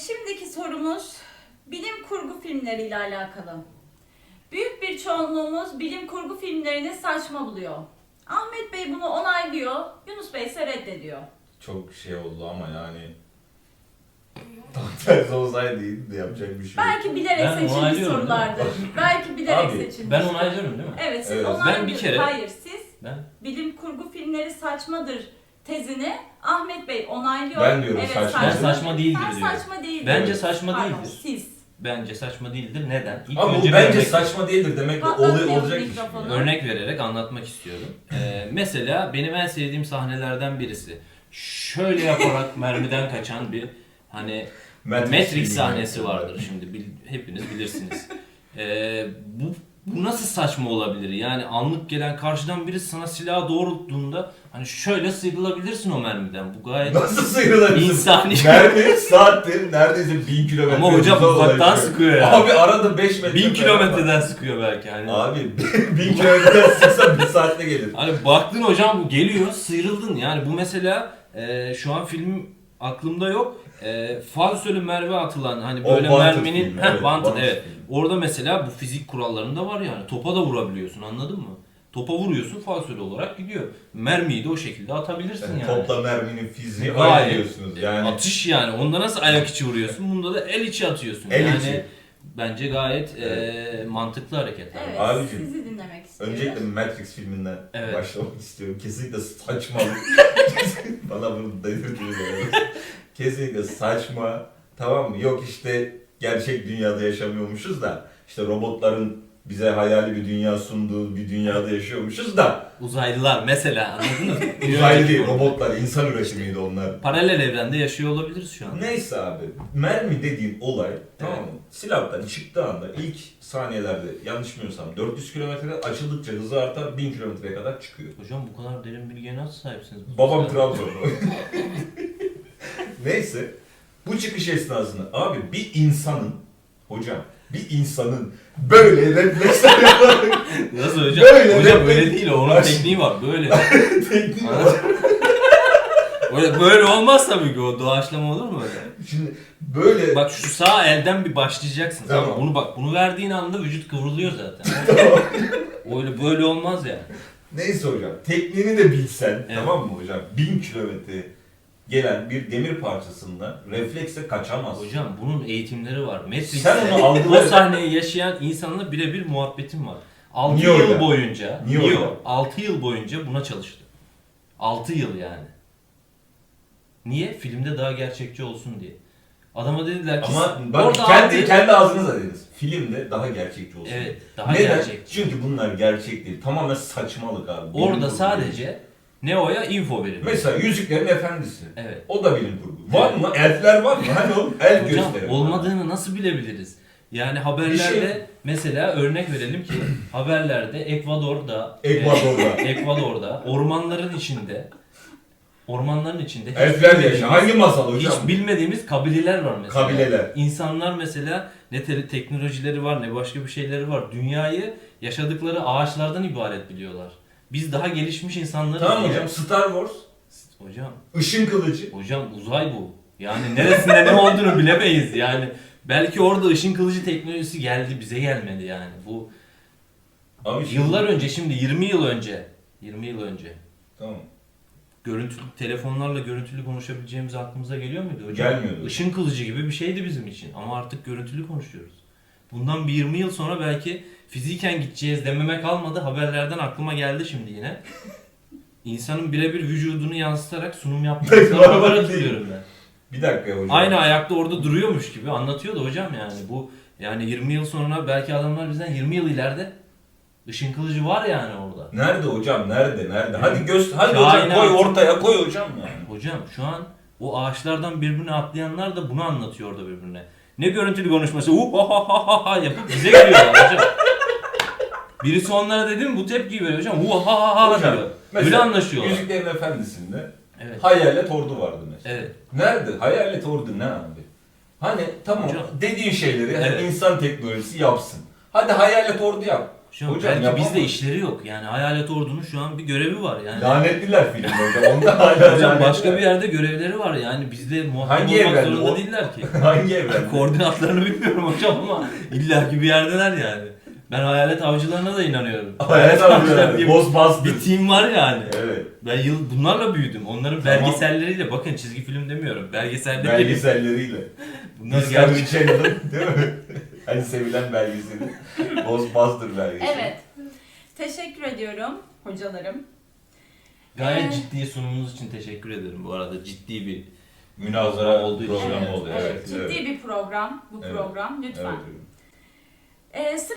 Şimdiki sorumuz bilim kurgu filmleriyle alakalı. Büyük bir çoğunluğumuz bilim kurgu filmlerini saçma buluyor. Ahmet Bey bunu onaylıyor, Yunus Bey ise reddediyor. Çok şey oldu ama yani tam tersi olsaydı iyiydi de yapacak bir şey yok. Belki bilerek Ben seçilmiş onaylıyorum, sorulardır. Belki bilerek Abi, seçilmiş. Ben onaylıyorum değil mi? Evet, siz Evet. onaylıyorsunuz. Ben bir kere- Hayır, siz Ben bilim kurgu filmleri saçmadır tezini Ahmet Bey onaylıyor. Ben diyorum evet, saçma. Ben saçma değildir Sen diyorum. saçma değildir. Bence Evet. saçma Pardon, değildir. siz. Bence saçma değildir. Neden? İlk Ama bu bir bence örnek- saçma değildir demek de Patlatmayalım olacak iş. mikrofonu. Örnek vererek anlatmak istiyorum. Mesela benim en sevdiğim sahnelerden birisi. Şöyle yaparak mermiden kaçan bir hani Matrix filmi sahnesi yani. vardır şimdi hepiniz bilirsiniz. Bu nasıl saçma olabilir? Yani anlık gelen karşıdan biri sana silahı doğrulttuğunda hani şöyle sıyrılabilirsin o mermiden. Bu gayet Nasıl sıyrılabilirsin? insani. Mermi saattir neredeyse 1000 kilometre. Ama hocam hıza uzaktan ulaşıyor. sıkıyor ya. Abi arada 5 metre. 1000 kilometreden sıkıyor belki hani. Abi 1000 kilometreden sıksa 1 saatte gelir. Hani baktın hocam bu geliyor, sıyrıldın. Yani bu mesela şu an film aklımda yok. Falsölü mermi atılan hani O böyle Wanted merminin filmi, evet, Wanted, Wanted evet. filmi. Orada mesela bu fizik kurallarında var yani. Topa da vurabiliyorsun, anladın mı? Topa vuruyorsun, falsölü olarak gidiyor. Mermiyi de o şekilde atabilirsin Yani yani. topla merminin fiziği Gayet. aynı diyorsunuz yani. Atış yani. Onda nasıl ayak içi vuruyorsun? Bunda da el içi atıyorsun. El yani içi. bence gayet Evet. mantıklı hareketler. Evet, Abicim, sizi dinlemek istiyorum. Öncelikle Matrix filminden Evet. başlamak istiyorum. Kesinlikle saçmalık. Bana bunu dedirtiniz. Kesinlikle saçma. Tamam mı? Yok işte gerçek dünyada yaşamıyormuşuz da işte robotların bize hayali bir dünya sunduğu bir dünyada yaşıyormuşuz da Uzaylılar mesela, anladın mı? uzaylı değil, robotlar, insan üretimiydi onlar. Paralel evrende yaşıyor olabiliriz şu an. Neyse abi, mermi dediğin olay tamam mı? Silahtan çıktığı anda ilk saniyelerde yanlış bilmiyorsam 400 kilometre açıldıkça hızı artar 1000 kilometreye kadar çıkıyor. Hocam bu kadar derin bilgiye nasıl sahipsiniz? Babam Trabzonlu. Neyse, bu çıkış esnasında abi bir insanın, hocam bir insanın böyle refleksler yaparak Nasıl hocam? Böyle, hocam böyle. öyle değil o. Onun Bak- tekniği var. Böyle. tekniği var. Böyle olmaz tabii ki, o doğaçlama olur mu öyle? Şimdi böyle Bak şu sağ elden bir başlayacaksın. Tamam. Tamam. Bunu bak, bunu verdiğin anda vücut kıvrılıyor zaten. tamam. Öyle böyle olmaz yani. Neyse hocam, tekniğini de bilsen Evet. tamam mı hocam? 1000 kilometre gelen bir demir parçasından refleksle kaçamaz. Hocam bunun eğitimleri var. Sen onu Matrix'te algıla- o sahneyi yaşayan insanla birebir muhabbetim var. 6 Neo'yla. yıl boyunca, Neo'yla. 6 yıl boyunca buna çalıştı. 6 yıl yani. Niye? Filmde daha gerçekçi olsun diye. Adama dediler ki Ama bak orada kendi aldığı- kendi ağzınıza dediniz. Filmde daha gerçekçi olsun. Evet, daha Neden? gerçekçi. Çünkü bunlar gerçek değil. Tamamen saçmalık abi. Bilim Orada kurgu. sadece Neo'ya info verildi. Mesela Yüzüklerin Efendisi. Evet. O da bilim kurgu. Var mı? Elfler var mı? Hani o el Hocam gösterin. olmadığını nasıl bilebiliriz? Yani haberlerde Bir şey- mesela örnek verelim ki haberlerde Ekvador'da Ekvador'da. ormanların içinde hiç Elfler bilmediğimiz- yaşıyor. Hangi masal hocam? Hiç bilmediğimiz kabileler var mesela. Kabileler. İnsanlar mesela ne teknolojileri var ne başka bir şeyleri var. Dünyayı yaşadıkları ağaçlardan ibaret biliyorlar. Biz daha gelişmiş insanlarız. Tamam diye- hocam, Star Wars. Hocam, Işın kılıcı. hocam uzay bu. Yani neresinde ne olduğunu bilemeyiz yani. Belki orada ışın kılıcı teknolojisi geldi, bize gelmedi yani. Bu Abi şimdi- yıllar önce, şimdi 20 yıl önce Tamam. telefonlarla görüntülü konuşabileceğimiz aklımıza geliyor muydu hocam? Gelmiyordu. Işın kılıcı gibi bir şeydi bizim için ama artık görüntülü konuşuyoruz. Bundan bir 20 yıl sonra belki fiziken gideceğiz dememe kalmadı. Haberlerden aklıma geldi şimdi yine. İnsanın birebir vücudunu yansıtarak sunum yaptığı Bak, haber değil. hatırlıyorum ben. Bir dakika hocam. Aynı ayakta orada duruyormuş gibi anlatıyordu hocam yani. Bu yani 20 yıl sonra belki adamlar bizden 20 yıl ileride ışın kılıcı var yani orada. Nerede hocam? Nerede? Hadi hadi Kainat. hocam koy ortaya koy hocam yani. Hocam şu an o ağaçlardan birbirine atlayanlar da bunu anlatıyor orada birbirine. Ne görüntülü konuşması ha ha ha ha yapıp bize geliyorlar hocam. Birisi onlara dedi mi bu tepkiyi veriyor hocam. Ha ha ha Hocam, diyor. mesela Öyle anlaşıyorlar. Yüzüklerin Efendisi'nde Evet. hayalet ordu vardı mesela. Evet. Nerede? Hayalet ordu ne abi? Hani tamam Hocam. dediğin şeyleri hani Evet. insan teknolojisi yapsın. Hadi hayalet ordu yap. Şu an Hocam belki yapamaz. bizde işleri yok. Yani Hayalet Ordu'nun şu an bir görevi var yani. Lanetliler filmde hocam. Onda hala Hocam başka lanetliler. bir yerde görevleri var yani bizde muhatap Hangi olmak evrende zorunda o? değiller ki. Hangi evren? Koordinatlarını bilmiyorum hocam ama illaki bir yerdeler yani. Ben hayalet avcılarına da inanıyorum. Hayalet avcıları. bir, Ghostbusters. bir team var yani. Evet. Ben bunlarla büyüdüm. Onların Tamam. belgeselleriyle, bakın çizgi film demiyorum. Belgeselleriyle. Belgeselleriyle. Bunlar Discovery gerçek. Channel'ın değil mi? Hani sevilen belgeseli. Ghostbusters belgeseli. Evet. Teşekkür ediyorum hocalarım. Gayet ciddi sunumunuz için teşekkür ederim bu arada. Ciddi bir Münazara olduğu için. programı Evet, oldu. evet. Evet. Ciddi evet. bir program bu Evet. program lütfen. Evet. Sıra